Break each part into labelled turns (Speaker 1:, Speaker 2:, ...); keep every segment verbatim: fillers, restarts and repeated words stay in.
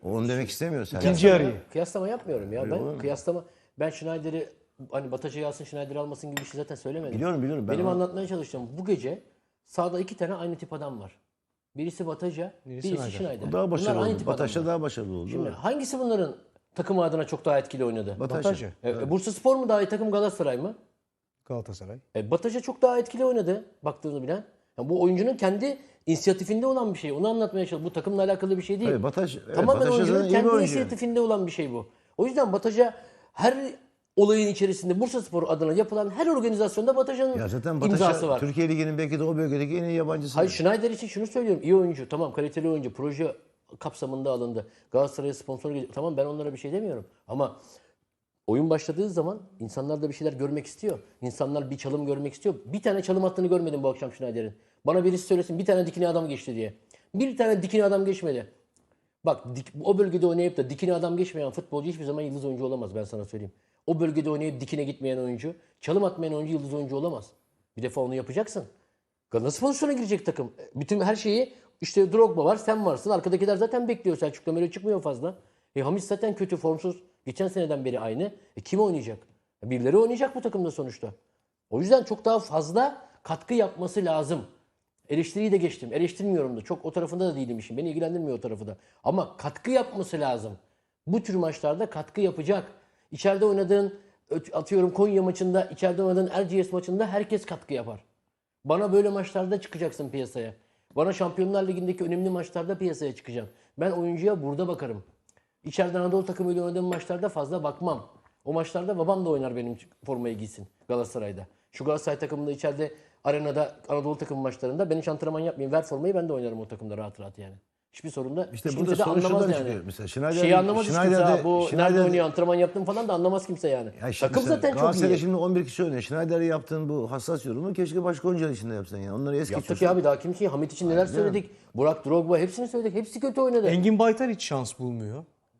Speaker 1: Onu demek istemiyor sen.
Speaker 2: İkinci yarıyı.
Speaker 3: Kıyaslama yapmıyorum ya. Ben
Speaker 1: Biliyorum.
Speaker 3: kıyaslama ben Schneider'i hani Bataş'a alsın Schneider'i almasın gibi bir şey zaten söylemedim.
Speaker 1: Biliyorum, biliyorum. Ben
Speaker 3: Benim
Speaker 1: onu-
Speaker 3: anlatmaya çalıştığım bu gece sahada iki tane aynı tip adam var. Birisi Bataja, birisi,
Speaker 2: Schneider.
Speaker 3: Schneider.
Speaker 1: O daha başarılı
Speaker 3: Bunlar aynı
Speaker 1: oldu.
Speaker 3: tip
Speaker 1: Bataş'ta
Speaker 3: adamlar.
Speaker 1: daha başarılı oldu.
Speaker 3: Şimdi hangisi bunların takımı adına çok daha etkili oynadı?
Speaker 1: Bataş'a.
Speaker 2: Bataş'a.
Speaker 3: E, e, Bursaspor mu daha iyi takım, Galatasaray mı?
Speaker 2: Galatasaray.
Speaker 3: E, Bataş'a çok daha etkili oynadı baktığını bilen. Yani bu oyuncunun kendi inisiyatifinde olan bir şey. Onu anlatmaya çalışıyorum. Bu takımla alakalı bir şey değil.
Speaker 1: Tabii Bataş, evet,
Speaker 3: Tamamen
Speaker 1: Bataş
Speaker 3: oyuncunun
Speaker 1: zaten iyi bir
Speaker 3: kendi
Speaker 1: oyuncu.
Speaker 3: inisiyatifinde olan bir şey bu. O yüzden Bataş'a her olayın içerisinde Bursaspor adına yapılan her organizasyonda Bataş'ın
Speaker 1: Ya zaten
Speaker 3: imzası
Speaker 1: Bataş'a
Speaker 3: var.
Speaker 1: Türkiye Ligi'nin belki de o bölgedeki en iyi yabancısı.
Speaker 3: Hayır, Schneider için şunu söylüyorum. İyi oyuncu. Tamam, kaliteli oyuncu. Proje kapsamında alındı. Galatasaray'a sponsor geliyor. Tamam, ben onlara bir şey demiyorum. Ama oyun başladığı zaman insanlar da bir şeyler görmek istiyor. İnsanlar bir çalım görmek istiyor. Bir tane çalım attığını görmedim bu akşam Schneider'in. Bana birisi söylesin bir tane dikine adam geçti diye. Bir tane dikine adam geçmedi. Bak dik, o bölgede oynayıp da dikine adam geçmeyen futbolcu hiçbir zaman yıldız oyuncu olamaz, ben sana söyleyeyim. O bölgede oynayıp dikine gitmeyen oyuncu, çalım atmayan oyuncu yıldız oyuncu olamaz. Bir defa onu yapacaksın. Nasıl pozisyona girecek takım? Bütün her şeyi işte Drogba var, sen varsın. Arkadakiler zaten bekliyor. Selçuk Demirel çıkmıyor fazla. E Hamis zaten kötü, formsuz. Geçen seneden beri aynı. E kim oynayacak? E, birileri oynayacak bu takımda sonuçta. O yüzden çok daha fazla katkı yapması lazım. Eleştiriyi de geçtim. Eleştirmiyorum da. Çok o tarafında da değilim işin. Beni ilgilendirmiyor o tarafı da. Ama katkı yapması lazım. Bu tür maçlarda katkı yapacak. İçeride oynadığın, atıyorum Konya maçında, içeride oynadığın Erciyes maçında herkes katkı yapar. Bana böyle maçlarda çıkacaksın piyasaya. Bana Şampiyonlar Ligi'ndeki önemli maçlarda piyasaya çıkacaksın. Ben oyuncuya burada bakarım. İçeride Anadolu takımıyla oynadığım maçlarda fazla bakmam. O maçlarda babam da oynar benim formayı giysin Galatasaray'da. Şu Galatasaray takımında içeride arenada Anadolu takım maçlarında ben hiç antrenman yapmayayım. Ver formayı, ben de oynarım o takımda rahat rahat yani. Hiçbir sorun da
Speaker 1: İşte
Speaker 3: hiç
Speaker 1: burada
Speaker 3: kimse de
Speaker 1: sonuç
Speaker 3: anlamaz
Speaker 1: şuradan
Speaker 3: yani.
Speaker 1: çıkıyor. Mesela Schneider-
Speaker 3: Şeyi anlamaz hiç kimse.
Speaker 1: Schneider'de-
Speaker 3: Ha, bu nerede
Speaker 1: Schneider'de-
Speaker 3: oynuyor, antrenman yaptım falan da anlamaz kimse yani.
Speaker 1: Ya işte
Speaker 3: Takım
Speaker 1: mesela
Speaker 3: zaten çok
Speaker 1: Galatasaray'da
Speaker 3: iyi.
Speaker 1: şimdi on bir kişi oynuyor. Schneider'e yaptığın bu hassas yorumu keşke başka oyuncuların içinde yapsan yani. Onları es
Speaker 3: Yaptık
Speaker 1: geçiyorsun.
Speaker 3: ya abi, daha kim ki? Hamit için neler söyledik. Burak, Drogba, hepsini söyledik. Hepsi kötü oynadı.
Speaker 2: Engin Baytar hiç şans bulmuyor.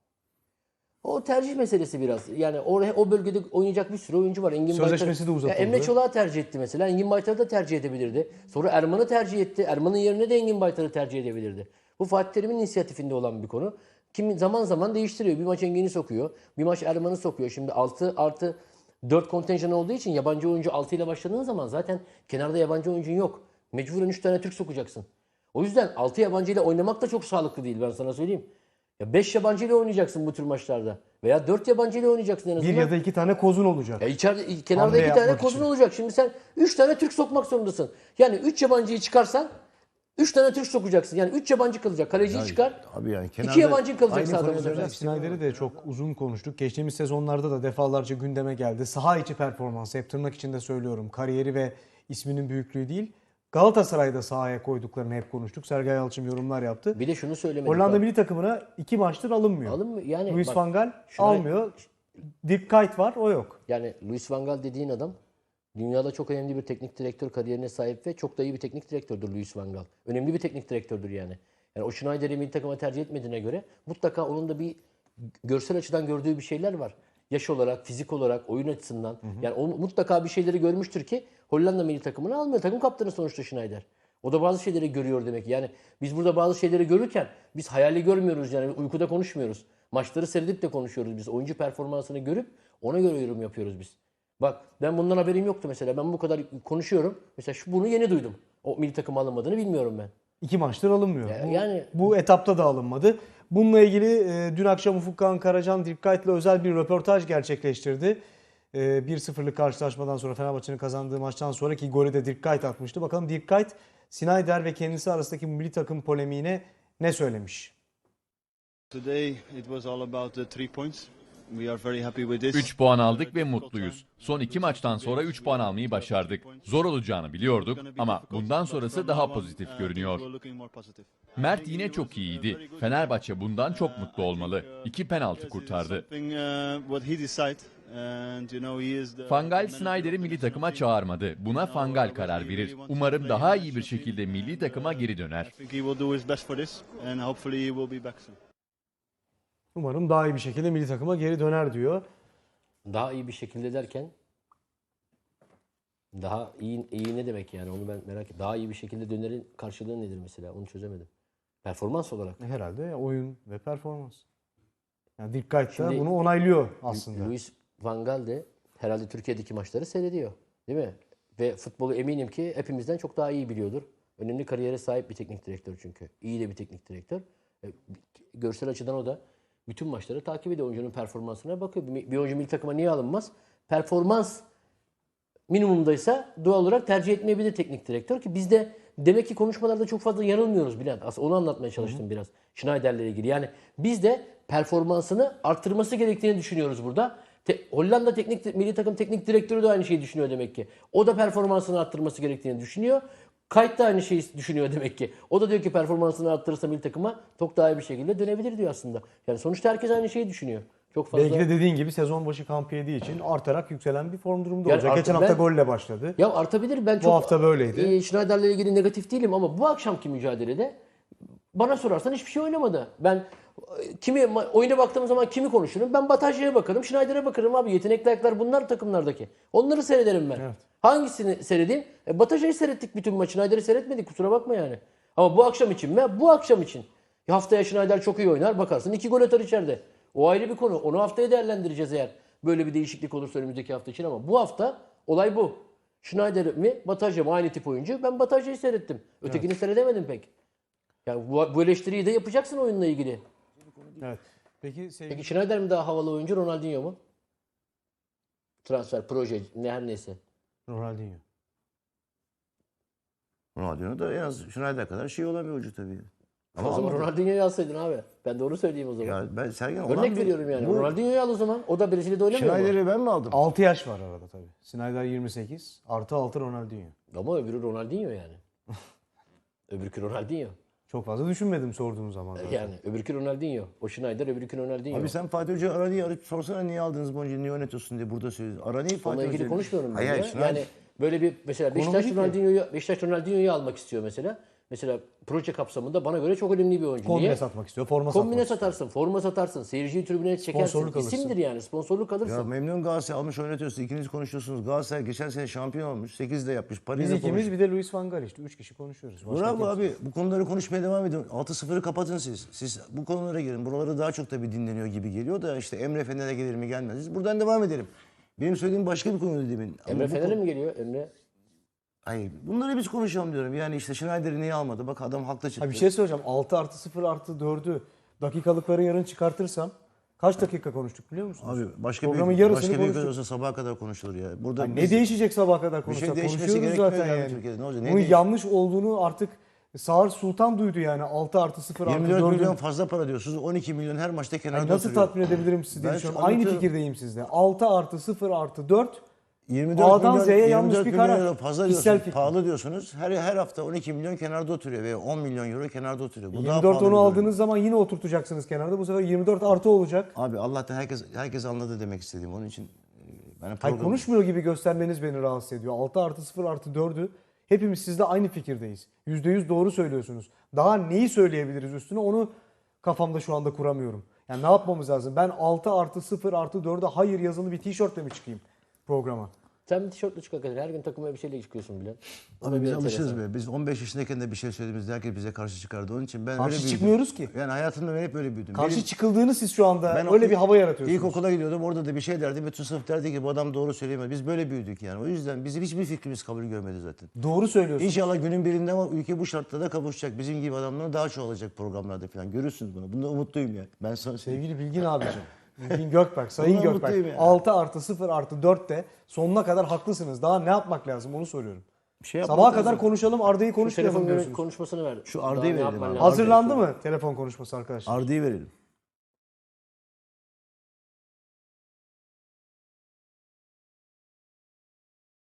Speaker 3: O tercih meselesi biraz. Yani oraya o bölgede oynayacak bir sürü oyuncu var. Engin
Speaker 2: Sözleşmesi
Speaker 3: Baytar-
Speaker 2: de uzatıldı.
Speaker 3: Ya Emre Çolak'ı tercih etti mesela. Engin Baytar'ı da tercih edebilirdi. Sonra Erman'ı tercih etti. Erman'ın yerine de Engin Baytar'ı tercih edebilirdi. Bu Fatih Terim'in inisiyatifinde olan bir konu. Kimi zaman zaman değiştiriyor. Bir maç Engin'i sokuyor. Bir maç Erman'ı sokuyor. Şimdi altı artı dört kontenjan olduğu için yabancı oyuncu altı ile başladığın zaman zaten kenarda yabancı oyuncun yok. Mecburen üç tane Türk sokacaksın. O yüzden altı yabancı ile oynamak da çok sağlıklı değil, ben sana söyleyeyim. Ya beş yabancı ile oynayacaksın bu tür maçlarda. Veya dört yabancı ile oynayacaksın en azından.
Speaker 2: Bir ya da iki tane kozun olacak.
Speaker 3: Ya içeride, kenarda
Speaker 2: Hamle
Speaker 3: iki tane
Speaker 2: yapmak
Speaker 3: kozun
Speaker 2: için.
Speaker 3: olacak. Şimdi sen üç tane Türk sokmak zorundasın. Yani üç yabancıyı çıkarsan üç tane Türk sokacaksın. Yani üç yabancı kalacak. Kaleciyi çıkar.
Speaker 1: Abi yani kenarda
Speaker 3: iki yabancı kalacak
Speaker 1: aynı
Speaker 3: sahada bu
Speaker 1: konuyu
Speaker 3: sefer.
Speaker 1: söylemek
Speaker 2: Schneider'i de çok uzun konuştuk. Geçtiğimiz sezonlarda da defalarca gündeme geldi. Saha içi performansı, hep tırnak içinde söylüyorum. Kariyeri ve isminin büyüklüğü değil. Galatasaray'da sahaya koyduklarını hep konuştuk. Sergen Yalçın yorumlar yaptı.
Speaker 3: Bir de şunu söylemedik.
Speaker 2: Hollanda
Speaker 3: bak.
Speaker 2: milli takımına iki maçtır alınmıyor.
Speaker 3: Alınmıyor. Yani
Speaker 2: Luis
Speaker 3: bak,
Speaker 2: van Gaal
Speaker 3: şuna-
Speaker 2: almıyor. Dirk Kuyt var, o yok.
Speaker 3: Yani Luis van Gaal dediğin adam dünyada çok önemli bir teknik direktör kariyerine sahip ve çok da iyi bir teknik direktördür Luis van Gaal. Önemli bir teknik direktördür yani. Yani o Schneider'i milli takıma tercih etmediğine göre mutlaka onun da bir görsel açıdan gördüğü bir şeyler var. Yaş olarak, fizik olarak, oyun açısından. Yani o mutlaka bir şeyleri görmüştür ki Hollanda milli takımını almıyor. Takım kaptanı sonuçta Schneider. O da bazı şeyleri görüyor demek. Yani biz burada bazı şeyleri görürken biz hayali görmüyoruz, yani uykuda konuşmuyoruz. Maçları seyredip de konuşuyoruz biz. Oyuncu performansını görüp ona göre yorum yapıyoruz biz. Bak ben bundan haberim yoktu mesela. Ben bu kadar konuşuyorum. Mesela şu bunu yeni duydum. O milli takıma alınmadığını bilmiyorum ben.
Speaker 2: İki maçtır alınmıyor.
Speaker 3: Ya-
Speaker 2: bu,
Speaker 3: yani-
Speaker 2: bu etapta da alınmadı. Bununla ilgili e, dün akşam Ufuk Kağan Karacan Dirk Kuyt'la özel bir röportaj gerçekleştirdi. E, bir sıfırlık karşılaşmadan sonra, Fenerbahçe'nin kazandığı maçtan sonraki golü de Dirk Kuyt atmıştı. Bakalım Dirk Kuyt, Snyder ve kendisi arasındaki milli takım polemiğine ne söylemiş?
Speaker 4: Today it was all about the three points. We are very happy with this.
Speaker 5: üç puan aldık ve mutluyuz. Son iki maçtan sonra üç puan almayı başardık. Zor olacağını biliyorduk ama bundan sonrası daha pozitif görünüyor. Mert yine çok iyiydi. Fenerbahçe bundan çok mutlu olmalı. İki penaltı kurtardı. Van Gaal Snyder'i milli takıma çağırmadı. Buna Van Gaal karar verir. Umarım daha iyi bir şekilde milli takıma geri döner.
Speaker 2: Umarım daha iyi bir şekilde milli takıma geri döner diyor.
Speaker 3: Daha iyi bir şekilde derken daha iyi, iyi ne demek yani, onu ben merak ediyorum. Daha iyi bir şekilde dönerin karşılığı nedir mesela, onu çözemedim. Performans olarak.
Speaker 2: Herhalde oyun ve performans. Yani Dirk Kuyt da
Speaker 3: Şimdi-
Speaker 2: bunu onaylıyor aslında.
Speaker 3: Louis van Gaal de herhalde Türkiye'deki maçları seyrediyor. Değil mi? Ve futbolu eminim ki hepimizden çok daha iyi biliyordur. Önemli kariyere sahip bir teknik direktör çünkü. İyi de bir teknik direktör. E, Görsel açıdan o da bütün maçları takip ediyor. Oyuncunun performansına bakıyor. Bir bir oyuncu milli takıma niye alınmaz? Performans minimumdaysa doğal olarak tercih etmeyebilir teknik direktör ki biz de demek ki konuşmalarda çok fazla yanılmıyoruz Bülent. Aslında onu anlatmaya çalıştım biraz Schneider'le ilgili. Yani biz de performansını arttırması gerektiğini düşünüyoruz burada. Te- Hollanda teknik milli takım teknik direktörü de aynı şeyi düşünüyor demek ki. O da performansını arttırması gerektiğini düşünüyor. Kayıt da aynı şeyi düşünüyor demek ki. O da diyor ki performansını arttırırsa milli takıma çok daha iyi bir şekilde dönebilir diyor aslında. Yani sonuçta herkes aynı şeyi düşünüyor. Çok fazla.
Speaker 2: Belki de dediğin gibi sezon başı kamp yediği için artarak yükselen bir form durumda
Speaker 3: Yani
Speaker 2: olacak.
Speaker 3: artık
Speaker 2: Geçen hafta
Speaker 3: ben-
Speaker 2: golle başladı.
Speaker 3: Ya artabilir. Ben çok
Speaker 2: hafta böyleydi.
Speaker 3: E, Schneider'le ilgili negatif değilim ama bu akşamki mücadelede bana sorarsan hiçbir şey oynamadı. Ben e, kimi ma- oyuna baktığım zaman kimi konuşurum? Ben Batasya'ya bakarım, Schneider'e bakarım abi. Yetenekli ayaklar bunlar takımlardaki. Onları seyrederim ben.
Speaker 2: Evet.
Speaker 3: Hangisini seyredeyim? E, Batasya'yı seyrettik bütün maçı. Schneider'i seyretmedik kusura bakma yani. Ama bu akşam için mi? Bu akşam için. Ya haftaya Schneider çok iyi oynar bakarsın iki gol atar içeride. O ayrı bir konu. Onu haftaya değerlendireceğiz eğer böyle bir değişiklik olursa önümüzdeki hafta için ama bu hafta olay bu. Schneider mi, Batajya mı aynı tip oyuncu? Ben Batasya'yı seyrettim. Ötekini seyredemedim pek. Yani bu, bu eleştiriyi de yapacaksın oyunla ilgili.
Speaker 2: Evet. Peki sevgili
Speaker 3: Peki Schneider mi daha havalı oyuncu, Ronaldinho mu? Transfer, proje, ne her neyse.
Speaker 2: Ronaldinho.
Speaker 1: Ronaldinho da en az Schneider kadar şey olan bir oyuncu tabii.
Speaker 3: o zaman
Speaker 1: almadı.
Speaker 3: Ronaldinho'yu alsaydın abi. Ben doğru söyleyeyim o zaman.
Speaker 1: Ya ben Sergen olan
Speaker 3: Örnek
Speaker 1: bir-
Speaker 3: veriyorum yani.
Speaker 1: Bu
Speaker 3: Ronaldinho'yu al o zaman. O da Brezilya'da oynamıyor mu?
Speaker 1: Schneider'i ben mi aldım?
Speaker 2: altı yaş var arada tabii. Snyder yirmi sekiz artı altı Ronaldinho.
Speaker 3: Ama öbürü Ronaldinho yani. Öbürkü Ronaldinho.
Speaker 2: Çok fazla düşünmedim sorduğum zaman. zaten.
Speaker 3: Yani öbürkü Ronaldinho. O Schneider, öbürkü Ronaldinho.
Speaker 1: Abi sen Fatih Hoca Arani'yi arayıp sorsana niye aldınız bu oyuncuyu, niye oynatıyorsun diye burada söylüyorsun. Arani'yi Fatih
Speaker 3: Onunla ilgili
Speaker 1: Hoca-
Speaker 3: konuşmuyorum ben
Speaker 1: Hayır,
Speaker 3: ya.
Speaker 1: hayır, Schneider-
Speaker 3: Yani böyle bir mesela
Speaker 2: Konu
Speaker 3: Beşiktaş
Speaker 2: bu değil ki.
Speaker 3: Ronaldinho'yu Beşiktaş Ronaldinho'yu almak istiyor mesela. Mesela proje kapsamında bana göre çok önemli bir oyuncu.
Speaker 2: Kombine
Speaker 3: Niye?
Speaker 2: satmak istiyor, forma
Speaker 3: Kombine
Speaker 2: satmak istiyor.
Speaker 3: satarsın, forma satarsın, seyirciyi tribüne çekersin.
Speaker 2: Sponsorluk alırsın.
Speaker 3: İsimdir yani, sponsorluk alırsın.
Speaker 1: Ya memnun Galatasaray almış oynatıyorsun. İkiniz konuşuyorsunuz. Galatasaray geçen sene şampiyon olmuş. sekizde yapmış.
Speaker 2: Biz
Speaker 1: Paris'de
Speaker 2: ikimiz bir de Luis Van Gaal işte. Üç kişi konuşuyoruz. Başka
Speaker 1: Bravo
Speaker 2: kimse-
Speaker 1: abi. Bu konuları konuşmaya devam edin. altı sıfırı kapatın siz. Siz bu konulara girin. Buraları daha çok tabii dinleniyor gibi geliyor da işte Emre Fener'e gelir mi gelmez. Biz buradan devam edelim. Benim söylediğim başka bir konuydu demin. Ama
Speaker 3: Emre
Speaker 1: bu
Speaker 3: Fener'e
Speaker 1: konu-
Speaker 3: mi geliyor? Emre
Speaker 1: Hayır. Bunları biz konuşalım diyorum. Yani işte Schneider'i niye almadı? Bak adam haklı çıktı.
Speaker 2: Ha, bir şey söyleyeceğim. altı artı sıfır artı dördü dakikalıkları yarın çıkartırsam kaç dakika konuştuk biliyor musunuz?
Speaker 1: Abi başka
Speaker 2: Programın
Speaker 1: bir
Speaker 2: yarısını
Speaker 1: başka bir ülkede
Speaker 2: konuştuk.
Speaker 1: olsa sabaha kadar konuşulur ya. Burada
Speaker 2: Hani
Speaker 1: biz-
Speaker 2: ne değişecek sabaha kadar
Speaker 1: şey
Speaker 2: konuşsak?
Speaker 1: değişmesi
Speaker 2: Konuşuyoruz
Speaker 1: gerekmiyor
Speaker 2: zaten
Speaker 1: yani
Speaker 2: yani.
Speaker 1: Türkiye'de. Ne olacak? Ne
Speaker 2: Bunun
Speaker 1: değiş-
Speaker 2: yanlış olduğunu artık Sağır Sultan duydu yani. altı artı sıfır artı
Speaker 1: yirmi dört
Speaker 2: dördün.
Speaker 1: milyon fazla para diyorsunuz. on iki milyon her maçta kenarda
Speaker 2: Ay, nasıl
Speaker 1: oturuyor.
Speaker 2: tatmin edebilirim sizi diye
Speaker 1: Ben
Speaker 2: düşünüyorum.
Speaker 1: şu
Speaker 2: Aynı
Speaker 1: anlatıyorum.
Speaker 2: fikirdeyim sizle. altı artı sıfır artı dört
Speaker 1: yirmi dört
Speaker 2: A'dan
Speaker 1: milyon,
Speaker 2: Z'ye
Speaker 1: yirmi
Speaker 2: yanlış
Speaker 1: dört
Speaker 2: bir
Speaker 1: milyon
Speaker 2: karar.
Speaker 1: euro fazla
Speaker 2: Kişisel
Speaker 1: diyorsunuz.
Speaker 2: fikrim.
Speaker 1: Pahalı diyorsunuz. Her her hafta on iki milyon kenarda oturuyor veya on milyon euro kenarda oturuyor. Bu daha
Speaker 2: yirmi dört
Speaker 1: pahalı
Speaker 2: onu
Speaker 1: bir durum.
Speaker 2: aldığınız zaman yine oturtacaksınız kenarda. Bu sefer yirmi dört artı olacak.
Speaker 1: Abi Allah'tan herkes herkes anladı demek istediğim. Onun için e, ben
Speaker 2: Hayır,
Speaker 1: program...
Speaker 2: konuşmuyor gibi göstermeniz beni rahatsız ediyor. altı artı sıfır artı dördü hepimiz sizde aynı fikirdeyiz. yüzde yüz doğru söylüyorsunuz. Daha neyi söyleyebiliriz üstüne onu kafamda şu anda kuramıyorum. Yani ne yapmamız lazım? Ben altı artı sıfır artı dörde hayır yazılı bir tişörtle mi çıkayım programa?
Speaker 3: sen bir tişörtle çık hakikaten. Her gün takıma bir şeyle çıkıyorsun bile.
Speaker 1: Abi biz alışırız be. Biz on beş yaşındayken de bir şey söylediğimizde herkes bize karşı çıkardı. Onun için ben
Speaker 2: Karşı
Speaker 1: öyle büyüdüm.
Speaker 2: çıkmıyoruz ki.
Speaker 1: Yani hayatımda ben hep öyle büyüdüm.
Speaker 2: Karşı
Speaker 1: Benim-
Speaker 2: çıkıldığını siz şu anda
Speaker 1: Ben
Speaker 2: öyle
Speaker 1: o-
Speaker 2: bir hava yaratıyorsunuz.
Speaker 1: İlkokula gidiyordum. Orada da bir şey derdi. Bütün sınıf derdi ki bu adam doğru söyleyemez. Biz böyle büyüdük yani. O yüzden bizim hiçbir fikrimiz kabul görmedi zaten.
Speaker 2: Doğru söylüyorsunuz.
Speaker 1: İnşallah günün birinde ama ülke bu şartlarda kavuşacak. Bizim gibi adamların daha çoğalacak programlarda falan. Görürsünüz bunu. Bunda umutluyum ya. Ben sana söyleyeyim.
Speaker 2: Sevgili Bilgin abicim. Bilgin Gökberk, Sayın
Speaker 1: Bundan
Speaker 2: Gökberk.
Speaker 1: mutluyum yani.
Speaker 2: altı artı sıfır artı dörtte sonuna kadar haklısınız. Daha ne yapmak lazım onu soruyorum.
Speaker 1: Bir şey yapmak
Speaker 2: Sabaha
Speaker 1: lazım.
Speaker 2: kadar konuşalım, Arda'yı
Speaker 3: Şu
Speaker 2: konuşmayalım
Speaker 3: telefon
Speaker 2: diyorsunuz.
Speaker 3: konuşmasını ver.
Speaker 1: Şu
Speaker 3: Daha
Speaker 1: Arda'yı
Speaker 3: ne
Speaker 1: verelim
Speaker 3: yapman
Speaker 1: abi.
Speaker 3: lazım?
Speaker 2: Hazırlandı mı telefon konuşması arkadaşlar?
Speaker 1: Arda'yı verelim.